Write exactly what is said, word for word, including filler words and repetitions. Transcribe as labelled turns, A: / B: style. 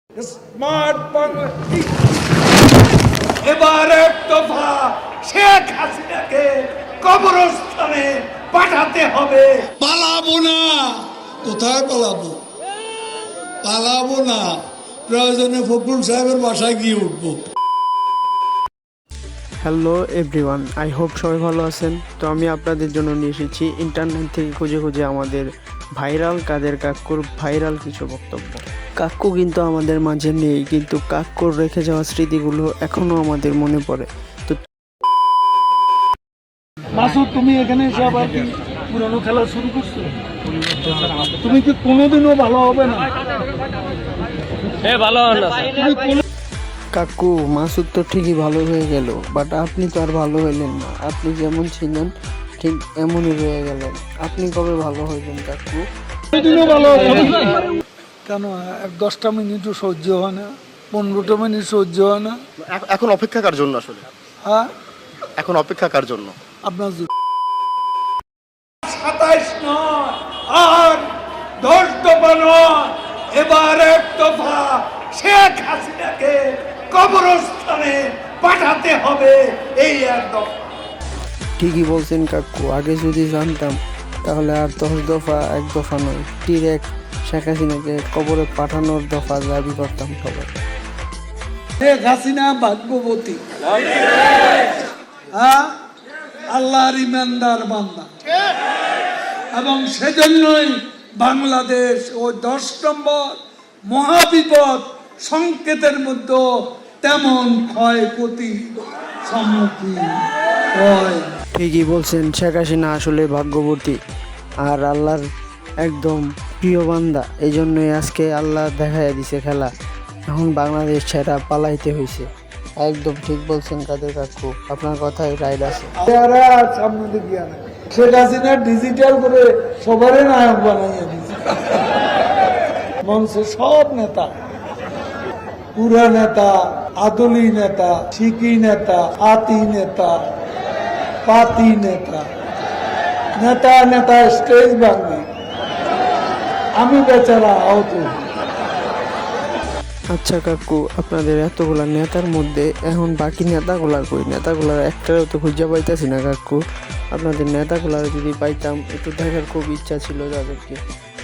A: Smart Bangladesh এবার এক দফা শেখ হাসিনাকে কবরস্থানে পাঠাতে হবে।
B: পালাবো না। কোথায় পালাবো? পালাবো না, প্রয়োজনে ফখরুল সাহেবের বাসায় গিয়ে উঠবো।
C: হ্যালো এভরিওয়ান, আই হোপ সবাই ভালো আছেন। তো আমি আপনাদের জন্য নিয়ে এসেছি ইন্টারনেট থেকে খুঁজে খুঁজে আমাদের ভাইরাল কাদের কাক্কুর ভাইরাল কিছু বক্তব্য। কাক্কু কিন্তু আমাদের মাঝে নেই, কিন্তু কাক্কুর রেখে যাওয়া স্মৃতিগুলো এখনো আমাদের মনে পড়ে। তো
D: মাসুদ, তুমি এখানে এসে আবার কি পুরনো খেলা শুরু করছো? তুমি কি কোনোদিনও ভালো হবে না?
C: কাকু, মাসুদ তো ঠিকই ভালো হয়ে গেল, বাট আপনি তো আর ভালো হইলেন না। আপনি যেমন ছিলেন ঠিক এমনই রয়ে গেলেন। আপনি কবে ভালো হইবেন কাকু?
D: কোনোদিনও ভালো হবে না। কেন এক দশটা মিনিটও সহ্য হয় না? পনেরোটা মিনিট সহ্য হয় না?
E: এখ- এখন অপেক্ষা কার জন্য আসলে?
D: হ্যাঁ,
E: এখন অপেক্ষা কার জন্য?
D: আপনার জন্য।
A: সাতাইশ নয় আর দশ দফা নয়, এবার এক দফা শেখ হাসিনাকে কবরস্থানে পাঠাতে হবে। এই এক দফা
C: ঠিকই বলছেন কাকু, আগে যদি জানতাম তাহলে আর দশ দফা এক দফা নয়, ডিরেক্ট শেখ হাসিনাকে কবরে পাঠানোর দফা দাবি করতাম সবাই।
D: শেখ হাসিনা ভাগ্যবতী, হ্যাঁ, আল্লাহর ইমানদার বান্দা, এবং সেজন্যই বাংলাদেশ ওই দশ নম্বর মহাবিপদ সংকেতের মধ্যে তেমন ক্ষয়ক্ষতি সম্মুখীন হয়।
C: ঠিকই বলছেন, শেখ হাসিনা আসলে ভাগ্যবতী আর আল্লাহর একদম প্রিয় বান্দা। এই জন্যই আজকে আল্লাহ দেখাইয়া দিছে খেলা। এখন বাংলাদেশ ছেড়া পালাইতে হয়েছে। একদম ঠিক বলছেন কাদের কাকু, আপনার কথাই রাইট আছে।
D: চেহারা আর সামনে দিকে আনে। শেখ হাসিনা ডিজিটাল করে সবারই নায়ক বানাইয়া দিচ্ছে। মঞ্চে সব নেতা, পুরা নেতা, আদলি নেতা, শিকি নেতা, আতি নেতা, পাতি নেতা, নেতা নেতা স্টেজ ভাঙি, আমি বেচারা আহত।
C: আচ্ছা কাকু, আপনাদের এতগুলা নেতার মধ্যে এখন বাকি নেতাগুলার কই? নেতাগুলার একটাও তো খুঁজে পাইতেছি না কাকু। আপনাদের নেতাগুলার যদি পাইতাম, একটু দেখার খুব ইচ্ছা ছিল তাদেরকে।